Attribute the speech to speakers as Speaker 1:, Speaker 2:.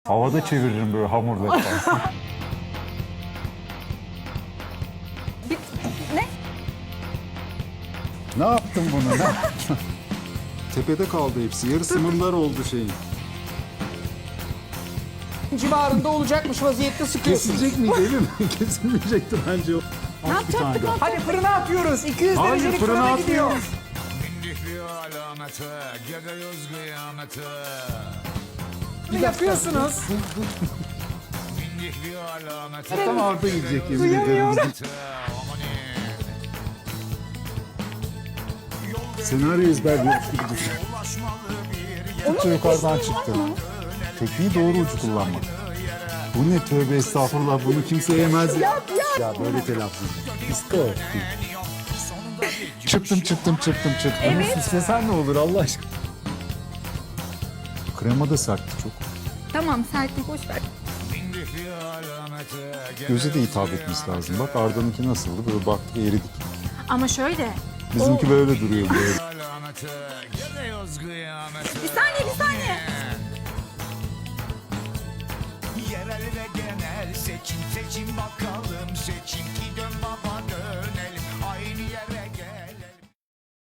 Speaker 1: Havada çeviririm böyle hamurları falan.
Speaker 2: Ne?
Speaker 1: Ne yaptın bunu? Ne yaptın? Tepede kaldı hepsi. Yarısı mırlar oldu şeyin.
Speaker 3: Civarında olacakmış vaziyette sıkıyorsunuz.
Speaker 1: Kesilecek miydi değil mi? Kesilmeyecekti bence o.
Speaker 2: Ne yapacaktık?
Speaker 3: Hadi fırına atıyoruz. 200
Speaker 1: Hayır,
Speaker 3: derecelik
Speaker 1: fırına
Speaker 3: fırına gidiyor.
Speaker 1: atmıyoruz.
Speaker 3: Bir yapıyorsunuz.
Speaker 1: Tam Arda gidecek yemin ederim. Senaryo ezberliyormuş gibi düşün. Türkçe yukarıdan çıktı. Tekniği doğru ucu kullanmak. Bu ne tövbe estağfurullah, bunu kimse yemez ya. Ya böyle telaffuz. İsko. Çıktım.
Speaker 2: Evet.
Speaker 1: Bunu süslesen ne olur Allah aşkına. Krema da sertti çok.
Speaker 2: Tamam sertlik boş ver.
Speaker 1: Göze de hitap etmesi lazım. Bak Arda'nınki nasıldı? Böyle baktık eridik.
Speaker 2: Ama şöyle.
Speaker 1: Bizimki böyle duruyor böyle.
Speaker 2: Bir saniye.
Speaker 4: Yerel ve genel seçim bak